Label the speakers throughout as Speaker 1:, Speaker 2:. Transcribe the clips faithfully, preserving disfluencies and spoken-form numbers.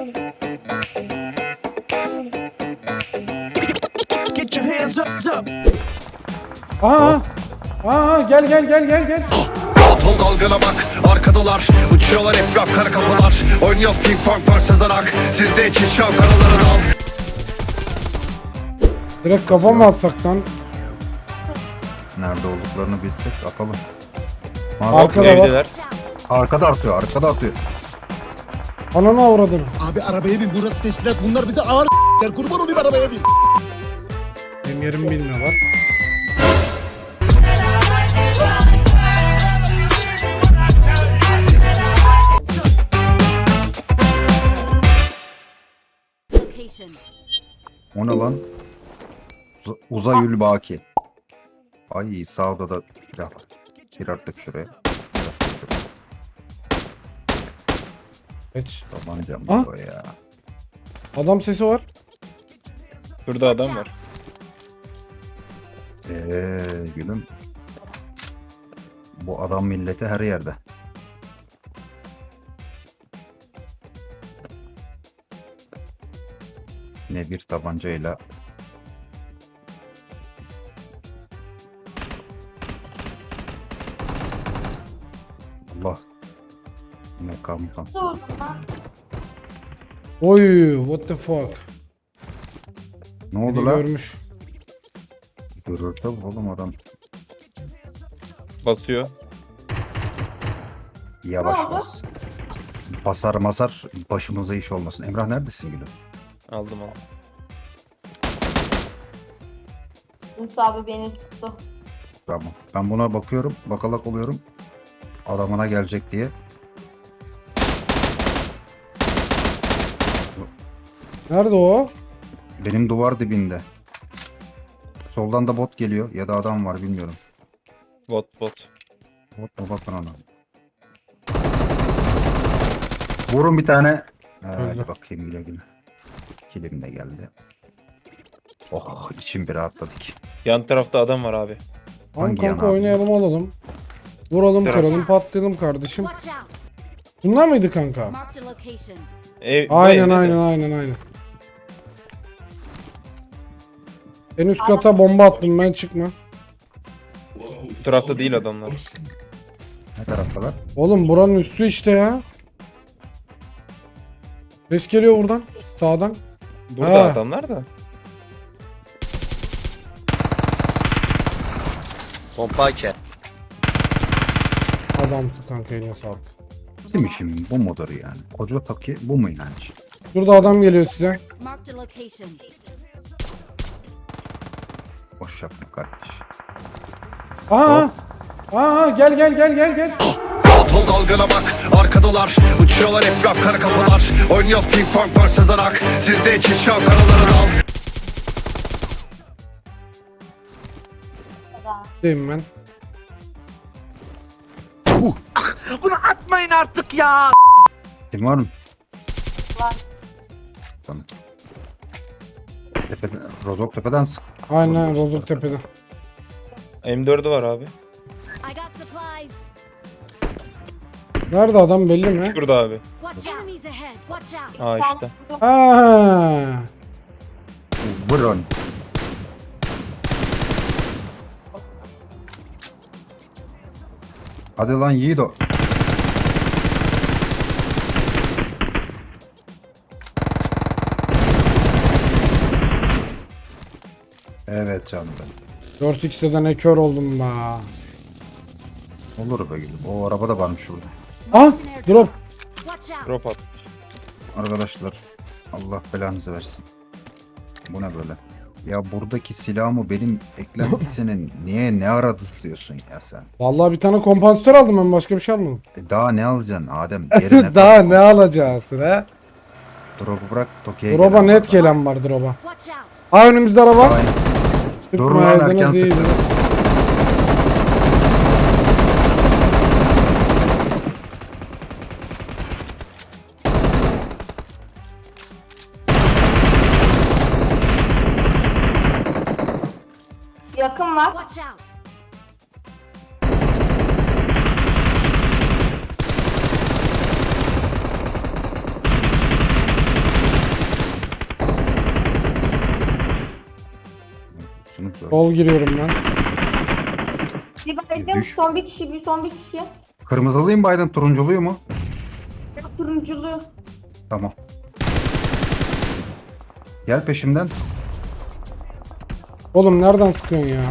Speaker 1: Get your hands up, up.
Speaker 2: Aa! Aa gel gel gel gel gel.
Speaker 3: Rahat ol dalgana bak arkadalar uçuyorlar hep rap kara kafalar. Oynuyoruz ping pong var Sezarak. Sizde için şav karaları dal.
Speaker 2: Direkt kafa mı atsak lan?
Speaker 4: Nerede olduklarını bilsek atalım.
Speaker 2: Arkada var.
Speaker 5: Evdeler.
Speaker 4: Arkada atıyor, arkada atıyor.
Speaker 2: Ananı avradını.
Speaker 6: Abi arabaya bin, burası teşkilat, bunlar bize ağır s**ler, kurban olayım arabaya bin.
Speaker 2: Benim yerim bilmiyorlar.
Speaker 4: O ne lan? Uz Uzayül Baki. Ay sağ odada silah var. Gir artık şuraya.
Speaker 2: Geç.
Speaker 4: Tabancam
Speaker 2: Ah.
Speaker 4: bu ya.
Speaker 2: Adam sesi var.
Speaker 5: Burada adam var.
Speaker 4: Eee gülüm. Bu adam milleti her yerde. Yine bir tabancayla Allah ne kalmış.
Speaker 2: Oy what the fuck.
Speaker 4: Ne
Speaker 2: Beni
Speaker 4: oldu lan?
Speaker 2: görmüş.
Speaker 4: Görür tabi oğlum adam.
Speaker 5: Basıyor.
Speaker 4: Yavaş bas. Basar masar başımıza iş olmasın. Emrah neredesin gülüm?
Speaker 5: Aldım aldım.
Speaker 7: Yunus abi beni tuttu.
Speaker 4: Tamam. Ben buna bakıyorum. Bakalak oluyorum. Adamına gelecek diye.
Speaker 2: Nerede o?
Speaker 4: Benim duvar dibinde. Soldan da bot geliyor. Ya da adam var bilmiyorum.
Speaker 5: Bot bot.
Speaker 4: Bot mu bakın ona. Vurun bir tane. Ee, hadi bakayım güle güle. Kilim de geldi. Oh içim bir rahatladık.
Speaker 5: Yan tarafta adam var abi.
Speaker 2: Tamam
Speaker 4: Hangi
Speaker 2: kanka
Speaker 4: yana?
Speaker 2: oynayalım alalım. Vuralım
Speaker 5: Biraz.
Speaker 2: kıralım patlayalım kardeşim.
Speaker 8: Watch out.
Speaker 2: Bunlar mıydı kanka?
Speaker 8: Marked a location.
Speaker 5: Ev, bu
Speaker 2: Aynen
Speaker 5: evde de.
Speaker 2: aynen aynen aynen. En üst kata bomba attım ben çıkma.
Speaker 5: Bu tarafta değil adamlar.
Speaker 4: Ne taraftalar?
Speaker 2: Oğlum buranın üstü işte ya. Ses geliyor buradan. Sağdan.
Speaker 5: Burada
Speaker 2: Ha.
Speaker 5: adamlar da.
Speaker 6: Pompa ke.
Speaker 2: Adamsın kanka eline sağlık.
Speaker 4: Değil mi şimdi? Bu mudur yani? Koca taki bu mu yani?
Speaker 2: Şurada adam geliyor size.
Speaker 8: Marked a location.
Speaker 4: Boş yapma kardeş.
Speaker 2: Aa! Aa gel gel gel gel gel.
Speaker 3: Rahat ol dalgana bak arkadalar uçuyorlar hep rap kara kafalar. Oynuyoruz ping pong var Sezarak. Sizde için şav karaları dal.
Speaker 2: Deyim ben.
Speaker 1: Bunu atmayın artık ya.
Speaker 4: Kim var mı?
Speaker 7: Var.
Speaker 4: Tamam. Tepeden, Rozok tepeden sık.
Speaker 2: Aynen Rozok tepede.
Speaker 5: M dördü var abi.
Speaker 8: I got supplies.
Speaker 2: Nerede adam belli mi?
Speaker 5: Şurada abi.
Speaker 8: Watch out. Enemies ahead. Watch out.
Speaker 5: Aa işte.
Speaker 2: Aa!
Speaker 4: Vurun. Hadi lan Yiğido. Evet canım benim.
Speaker 2: dört x'e ne kör oldum be.
Speaker 4: Olur be gülüm. O araba da varmış şurada.
Speaker 2: Ah! Drop.
Speaker 8: Watch out.
Speaker 5: Drop at.
Speaker 4: Arkadaşlar Allah belanızı versin. Bu ne böyle? Ya buradaki silahımı benim eklentisinin niye ne ara diyorsun ya sen?
Speaker 2: Vallahi bir tane kompansatör aldım ben başka bir şey almadım.
Speaker 4: E daha ne alacaksın Adem? Yerine
Speaker 2: Daha
Speaker 4: koy.
Speaker 2: ne alacaksın he?
Speaker 4: Drop'u bırak Tokyo'ya
Speaker 2: Drop'a
Speaker 4: gelen
Speaker 2: net
Speaker 4: var.
Speaker 2: gelen var drop'a.
Speaker 8: Watch out.
Speaker 2: Aa önümüzde araba.
Speaker 4: Aynen. Dur lan,
Speaker 2: Tutmayaydınız
Speaker 4: erken
Speaker 2: iyiydi.
Speaker 4: sıktın.
Speaker 7: Yakın var.
Speaker 8: Watch out.
Speaker 2: Sol giriyorum ben.
Speaker 7: Bir baydım.
Speaker 4: Düş.
Speaker 7: Son bir kişi. Bir son bir kişi.
Speaker 4: Kırmızılıyım Biden, turunculuyu mu?
Speaker 7: Turunculu.
Speaker 4: Tamam. Gel peşimden.
Speaker 2: Oğlum nereden sıkıyorsun ya?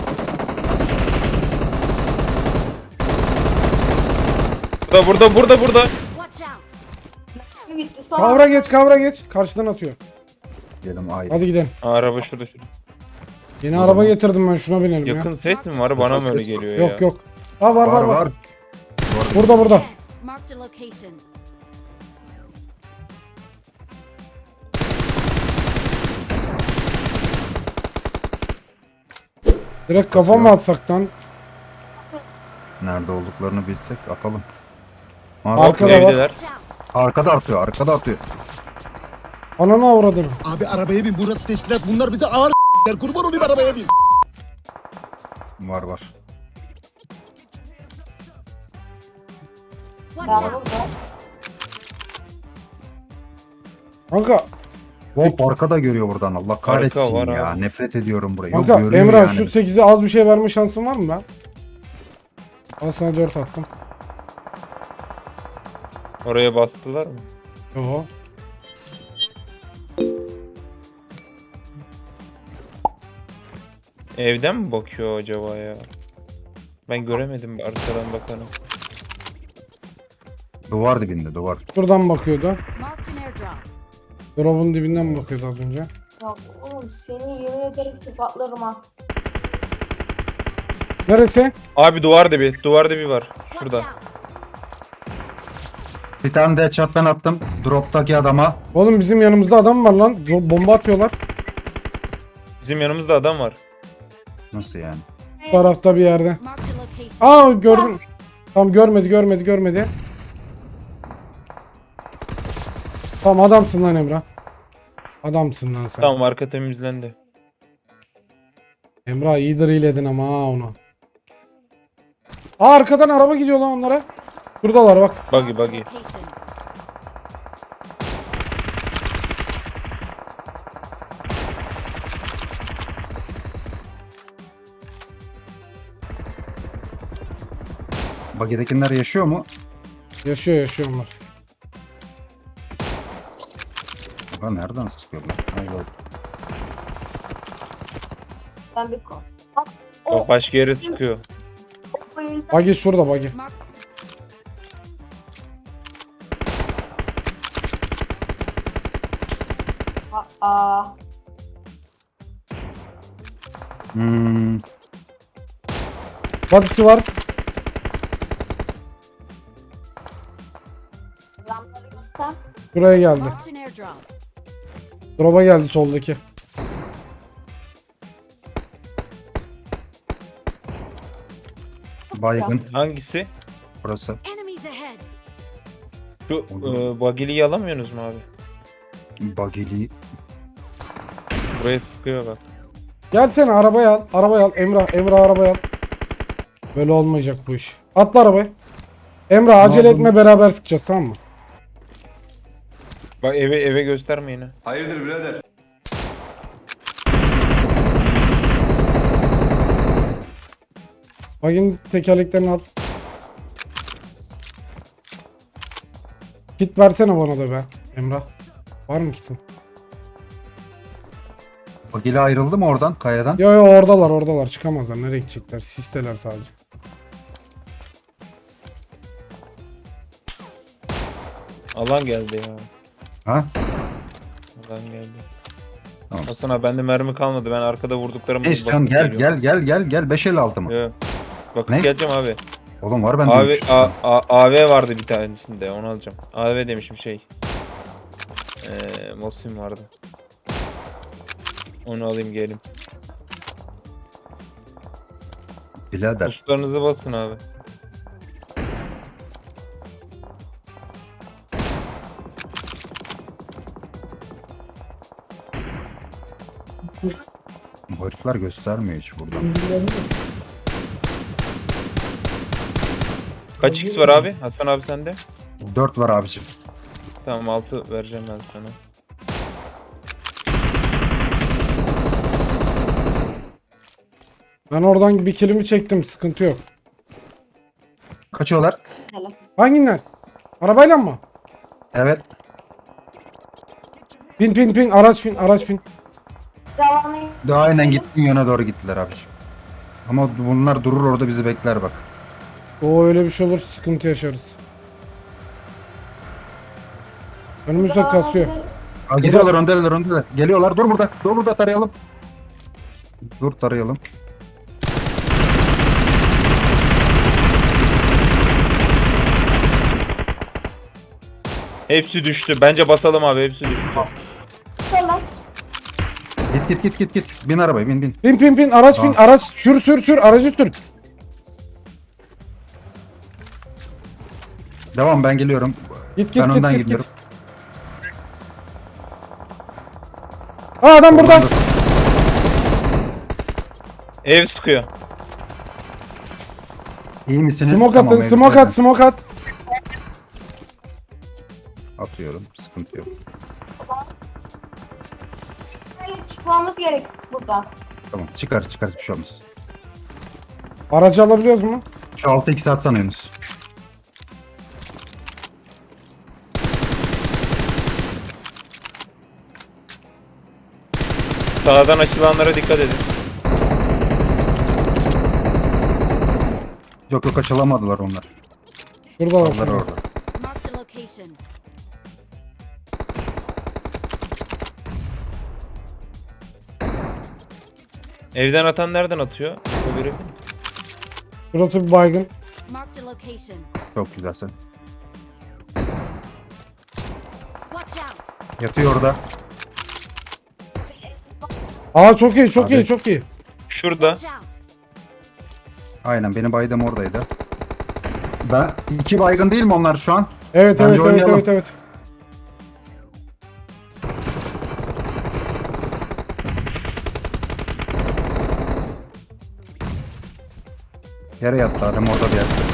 Speaker 5: Burada burada burada burada.
Speaker 8: Watch out.
Speaker 7: Bitti. Son.
Speaker 2: Kavra geç, kavra geç. Karşıdan atıyor.
Speaker 4: Gelim ay.
Speaker 2: Hadi gidelim.
Speaker 5: Aa, araba şurada şurada.
Speaker 2: Yeni araba getirdim ben, şuna binelim ya.
Speaker 5: Yakın ses mi var? Bana mı öyle geliyor ya?
Speaker 2: Yok yok. Ha var var
Speaker 4: Var
Speaker 2: var.
Speaker 4: var.
Speaker 2: Burada burada.
Speaker 8: Ahead. Marked a location.
Speaker 2: Direkt kafa mı atsak lan?
Speaker 4: Nerede olduklarını bilsek atalım.
Speaker 2: Arkada var.
Speaker 5: Evdeler.
Speaker 8: Watch out.
Speaker 4: Arkada atıyor, arkada atıyor.
Speaker 2: Ananı avradını.
Speaker 6: Abi arabaya bin burası teşkilat bunlar bize ağır s**ler kurban olayım arabaya bin.
Speaker 4: Var var.
Speaker 8: Watch
Speaker 7: Ben
Speaker 8: out.
Speaker 7: burada.
Speaker 2: Kanka,
Speaker 4: Hop arkada görüyor buradan, Allah kahretsin
Speaker 5: var
Speaker 4: ya.
Speaker 5: abi.
Speaker 4: Nefret ediyorum burayı.
Speaker 2: kanka
Speaker 4: Yok, görüyor
Speaker 2: Emrah
Speaker 4: yani.
Speaker 2: şu sekize az bir şey verme şansın var mı ben? Al sana dört attım.
Speaker 5: Oraya bastılar mı?
Speaker 2: Yo.
Speaker 5: Evden mi bakıyor acaba ya? Ben göremedim arkadan bakanı.
Speaker 4: Duvar dibinde, duvar.
Speaker 2: Şuradan bakıyordu.
Speaker 8: Marked an airdrop.
Speaker 2: Drop'un dibinden mi bakıyordu az önce?
Speaker 7: Ya oğlum seni yemin ederim ki patlarım ha.
Speaker 2: Neresi?
Speaker 5: Abi duvar dibi, duvar dibi var.
Speaker 8: Watch
Speaker 5: Şurada.
Speaker 8: out.
Speaker 4: Bir tane de headshot ben attım. Drop'taki adama.
Speaker 2: Oğlum bizim yanımızda adam var lan. Bo- Bomba atıyorlar.
Speaker 5: Bizim yanımızda adam var.
Speaker 4: Nasıl yani?
Speaker 2: Bu tarafta bir yerde.
Speaker 8: Marked a location.
Speaker 2: Aa gördüm. Tamam görmedi görmedi görmedi. Tamam adamsın lan Emrah. Adamsın lan sen.
Speaker 5: Tamam, arka temizlendi.
Speaker 2: Emrah iyi drillledin ama ha onu. Aa arkadan araba gidiyor lan onlara. Buradalar bak.
Speaker 5: Buggy buggy.
Speaker 8: Location.
Speaker 4: Bagidekiler yaşıyor mu?
Speaker 2: Yaşıyor yaşıyor onlar.
Speaker 4: Ulan nereden sıkıyorlar? Hayır.
Speaker 7: Ben bir ko. Bak o
Speaker 5: Bak başka yere sıkıyor.
Speaker 7: o bayıldı.
Speaker 2: Bagi şurada bagi.
Speaker 8: Mark.
Speaker 7: Aa.
Speaker 4: Hmm.
Speaker 2: Badisi var.
Speaker 7: Yanları göster.
Speaker 2: Buraya geldi.
Speaker 8: Marked an airdrop.
Speaker 2: Drop'a geldi soldaki.
Speaker 4: Baygın.
Speaker 5: Hangisi?
Speaker 4: Burası.
Speaker 8: Enemies ahead.
Speaker 5: Şu e, buggy'liyi alamıyorsunuz mu abi?
Speaker 4: Bagili.
Speaker 5: Buraya sıkıyor bak.
Speaker 2: Gelsene arabaya al. Arabaya al. Emrah Emrah arabaya al. Böyle olmayacak bu iş. Atla arabaya. Emrah acele
Speaker 4: yapalım?
Speaker 2: etme beraber sıkacağız tamam mı?
Speaker 5: Bak eve eve gösterme yine.
Speaker 3: Hayırdır birader?
Speaker 2: Bagin tekerleklerini al. Kit versene bana da be Emrah. Var mı kitin?
Speaker 4: Bagili ayrıldı mı oradan, kayadan?
Speaker 2: Yo yo oradalar oradalar çıkamazlar. Nereye gidecekler? Sisteler sadece.
Speaker 5: Alan geldi ya.
Speaker 4: Ha?
Speaker 5: Alan geldi.
Speaker 4: Tamam.
Speaker 5: Hasan abi bende mermi kalmadı. Ben arkada vurduklarımı
Speaker 4: Ne istiyorsun? Gel gel gel gel gel. beş el altı mı?
Speaker 5: Yok. Bakıp
Speaker 4: Ne?
Speaker 5: geleceğim abi.
Speaker 4: Oğlum var bende
Speaker 5: Abi
Speaker 4: üç.
Speaker 5: A, A, A V vardı bir tanesinde, onu alacağım. A V demişim şey. Eee Mosin vardı. Onu alayım gelin.
Speaker 4: Birader.
Speaker 5: Tuşlarınızı basın abi.
Speaker 4: Bu herifler göstermiyor hiç buradan.
Speaker 5: Kaç X var abi? Hasan abi sende?
Speaker 4: dört var abicim.
Speaker 5: Tamam altı vereceğim ben sana.
Speaker 2: Ben oradan bir kilimi çektim. Sıkıntı yok.
Speaker 4: Kaçıyorlar.
Speaker 7: Hele.
Speaker 2: Hangiler? Arabayla mı?
Speaker 4: Evet.
Speaker 2: Bin bin bin. Araç bin. Araç bin.
Speaker 7: Zamanı
Speaker 4: Daha aynen gittiğin yöne doğru gittiler abiciğim. Ama bunlar durur orada bizi bekler bak.
Speaker 2: O öyle bir şey olur. Sıkıntı yaşarız. Önümüzde kasıyor.
Speaker 4: Aa, gidiyorlar öndeler öndeler. Geliyorlar dur burada. Dur burada tarayalım. Dur tarayalım.
Speaker 5: Hepsi düştü. Bence basalım abi, hepsi düştü.
Speaker 7: Sola.
Speaker 4: Git git git git git. Bin arabaya bin bin.
Speaker 2: Bin bin bin. Araç bin.
Speaker 4: Tamam.
Speaker 2: Araç. Sür sür sür. Aracı sür.
Speaker 4: Devam ben geliyorum.
Speaker 2: Git git
Speaker 4: ben
Speaker 2: git
Speaker 4: önden
Speaker 2: git,
Speaker 4: gidiyorum.
Speaker 2: git. Aa adam burada.
Speaker 4: Oradan da-
Speaker 5: Ev sıkıyor.
Speaker 4: İyi misiniz?
Speaker 2: Smoke
Speaker 4: Tamam,
Speaker 2: atın.
Speaker 4: evet,
Speaker 2: Smoke
Speaker 4: zaten
Speaker 2: at. Smoke at.
Speaker 4: Atıyorum. Sıkıntı yok.
Speaker 7: Çıkmamız gerek buradan.
Speaker 4: Tamam çıkar çıkar bir şey olmaz.
Speaker 2: Aracı alabiliyoruz mu?
Speaker 4: Şu altı iki atsana Yunus.
Speaker 5: Sağdan açılanlara dikkat edin.
Speaker 4: Yok yok açılamadılar onlar.
Speaker 2: Şurada var.
Speaker 4: Onlar
Speaker 2: şurada.
Speaker 4: orada.
Speaker 8: Marked a location.
Speaker 5: Evden atan nereden atıyor? O görevi.
Speaker 2: Burası bir baygın.
Speaker 8: Marked a location.
Speaker 4: Çok güzelsin.
Speaker 8: Watch out.
Speaker 4: Yatıyor orada.
Speaker 2: Aa çok iyi çok
Speaker 4: Abi.
Speaker 2: iyi çok iyi.
Speaker 5: Şurada.
Speaker 8: Watch out.
Speaker 4: Aynen benim baydam oradaydı. Ben iki baygın değil mi onlar şu an?
Speaker 2: Evet
Speaker 4: Bence
Speaker 2: evet evet
Speaker 4: oynayalım.
Speaker 2: evet evet.
Speaker 4: Yere yattı adam orada bir yerde.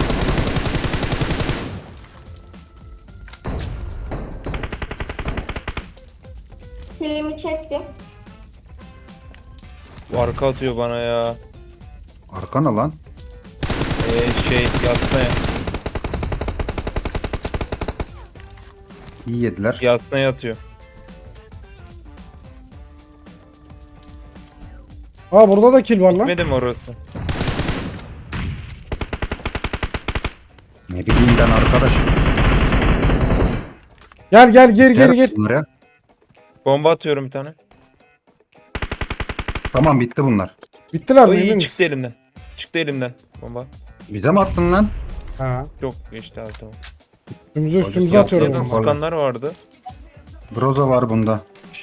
Speaker 7: Filmi çektim.
Speaker 5: Bu arka atıyor bana ya.
Speaker 4: Arkana lan.
Speaker 5: Ee, şey yatmaya.
Speaker 4: İyi yediler.
Speaker 5: Yatmaya yatıyor.
Speaker 2: Aa burada da kill var lan.
Speaker 5: Gitmedi mi orası?
Speaker 4: Ne bileyim ben arkadaş.
Speaker 2: Gel gel gir gir
Speaker 4: Gel
Speaker 2: gir.
Speaker 4: bunlara.
Speaker 5: Bomba atıyorum bir tane.
Speaker 4: Tamam bitti bunlar.
Speaker 2: Bittiler mi
Speaker 5: Oy,
Speaker 2: emin
Speaker 5: çıktı
Speaker 2: misin?
Speaker 5: elimden. Çıktı elimden bomba.
Speaker 4: Bize mi attın lan?
Speaker 2: Ha.
Speaker 5: Çok geçti abi, tamam.
Speaker 2: Üstümüze üstümüze
Speaker 4: Hocam,
Speaker 2: atıyorum.
Speaker 5: Yakın
Speaker 4: yapıyordum.
Speaker 2: bombayı.
Speaker 5: sıkanlar vardı.
Speaker 4: Groza var bunda.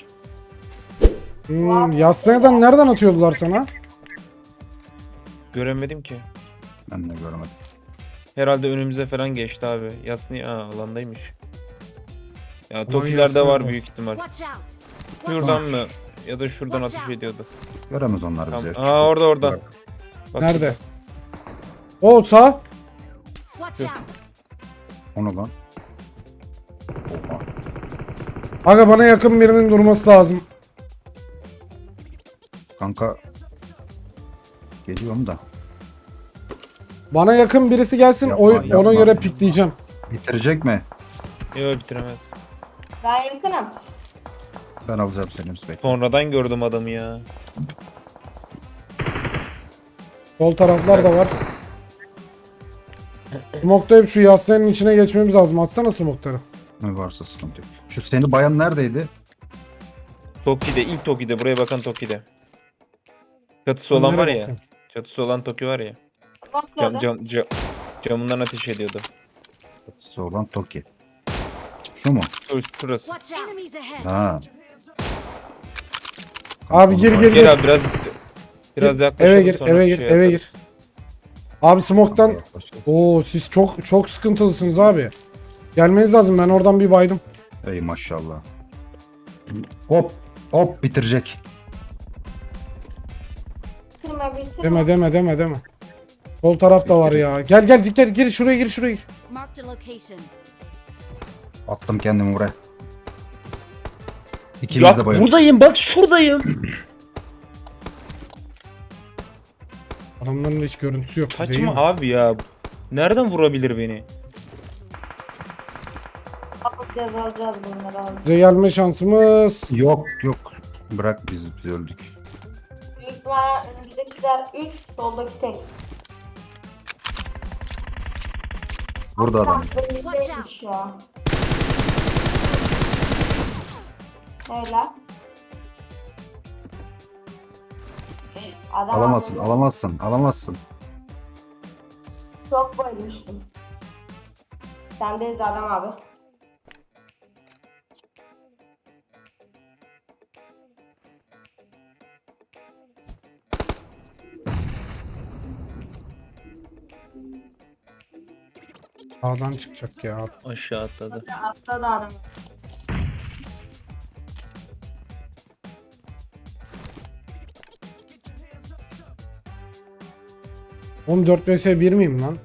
Speaker 2: Hmm, Yassı'dan nereden atıyordular sana?
Speaker 5: Göremedim ki.
Speaker 4: Ben de göremedim.
Speaker 5: Herhalde önümüze falan geçti abi. Yasni aa, alandaymış. Ya
Speaker 2: Yasni
Speaker 5: Tokilerde var
Speaker 2: var.
Speaker 5: büyük ihtimal.
Speaker 8: Watch out. Watch
Speaker 5: Şuradan
Speaker 8: out.
Speaker 5: mı? Ya da şuradan
Speaker 8: Watch
Speaker 5: ateş
Speaker 8: out.
Speaker 5: ediyordu.
Speaker 4: Göremez onlar
Speaker 5: Tamam.
Speaker 4: bizi.
Speaker 5: Aa orada orada. Bak
Speaker 2: Nerede? O sağ.
Speaker 8: Watch out.
Speaker 4: Onu lan. Oha.
Speaker 2: Aga bana yakın birinin durması lazım.
Speaker 4: Kanka. Geliyorum da.
Speaker 2: Bana yakın birisi gelsin
Speaker 4: Yapma,
Speaker 2: o,
Speaker 4: yapma.
Speaker 2: ona göre pikleyeceğim.
Speaker 4: Bitirecek mi?
Speaker 5: şurada. Yok bitiremez.
Speaker 7: Ben yakınım.
Speaker 4: Ben alacağım seni Müsbek.
Speaker 5: Sonradan gördüm adamı ya.
Speaker 2: Sol taraflar da var. Smoke'da şu Yassı'nın içine geçmemiz lazım. Atsana smoke'ları.
Speaker 4: Ne varsa sıkıntı yok. Şu seni bayan neredeydi?
Speaker 5: Toki'de, ilk Toki'de, buraya bakan Toki'de. Çatısı olan var
Speaker 2: Nereye
Speaker 5: ya.
Speaker 2: bakayım?
Speaker 5: Çatısı olan Toki var ya. Cam,
Speaker 7: Kontrolü.
Speaker 5: cam, cam, camından ateş ediyordu.
Speaker 4: Çatısı olan Toki. Şu mu?
Speaker 5: Şur- Şurası.
Speaker 8: Watch out. Enemies ahead.
Speaker 4: Ha.
Speaker 2: Abi gir gir gir.
Speaker 5: Gel abi biraz biraz yaklaşalım,
Speaker 2: Eve gir
Speaker 5: sonra
Speaker 2: eve
Speaker 5: şey
Speaker 2: gir eve
Speaker 5: yaparız.
Speaker 2: gir. Abi smoke'tan. Oo siz çok çok sıkıntılısınız abi. Gelmeniz lazım, ben oradan bir baydım.
Speaker 4: Ey maşallah. Hop. Hop bitirecek.
Speaker 7: Bitirme bitirme.
Speaker 2: Deme deme deme deme. Sol taraf da var ya. Gel gel gir gir şuraya gir şuraya gir.
Speaker 8: Marked a location.
Speaker 4: Attım kendimi buraya. İkimiz de
Speaker 5: Ya
Speaker 4: bayıldık.
Speaker 5: buradayım bak şuradayım.
Speaker 2: Adamların hiç görüntüsü yok. değil
Speaker 5: Saçma
Speaker 2: mi?
Speaker 5: abi ya. Nereden vurabilir beni?
Speaker 7: Alacağız alacağız bunları alacağız.
Speaker 2: Bize gelme şansımız.
Speaker 4: Yok yok. Bırak biz, biz öldük.
Speaker 7: Büyük ihtimalle önümüzdekiler üç, soldaki tek.
Speaker 4: Burada adam.
Speaker 7: Önümüzdeymiş ya. Öyle. Adam
Speaker 4: Alamazsın,
Speaker 7: aldı.
Speaker 4: alamazsın, alamazsın.
Speaker 7: Çok bayılmıştım. Sendeyiz de adam abi.
Speaker 2: Sağdan çıkacak ya.
Speaker 5: Aşağı atladı.
Speaker 7: Atla da adam.
Speaker 2: Oğlum dört vs bir miyim lan?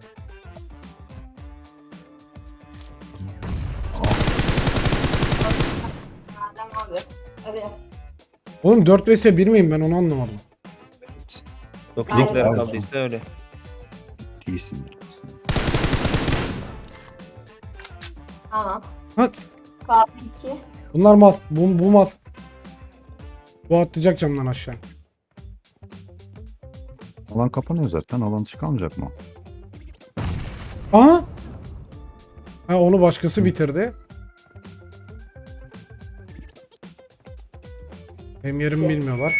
Speaker 7: Adam abi. Hadi.
Speaker 2: Oğlum dört vs bir miyim ben onu anlamadım.
Speaker 5: Yok
Speaker 7: Aynen.
Speaker 5: yedekler
Speaker 4: Aynen.
Speaker 5: kaldıysa öyle.
Speaker 4: Değilsin.
Speaker 7: Tamam.
Speaker 2: Ha.
Speaker 7: Kaldı iki.
Speaker 2: Bunlar mal. Bu, bu mal. Bu atlayacak camdan aşağı.
Speaker 4: Alan kapanıyor zaten. Alan çıkamayacak mı?
Speaker 2: Aha! Ha onu başkası bitirdi. Benim yerimi bilmiyorlar.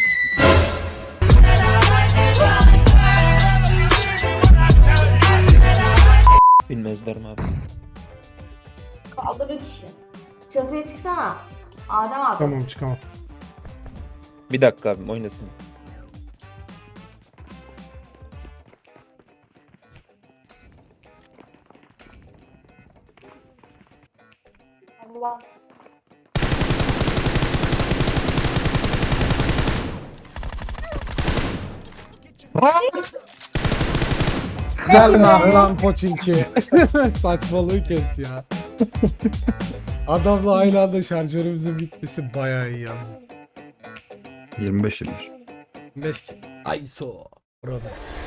Speaker 5: Bilmezler mi abi?
Speaker 7: Kaldı bir kişi. Çatıya çıksana. Adem abi.
Speaker 2: Tamam çıkamam.
Speaker 5: Bir dakika abim oynasın.
Speaker 7: Allah.
Speaker 2: Gelme lan Poçinki. Saçmalığı kes ya. Adamla aynı anda şarjörümüzün bitmesi bayağı iyi yalnız.
Speaker 4: yirmi beş yirmi beş.
Speaker 2: beş kill. Ayso. Bravo.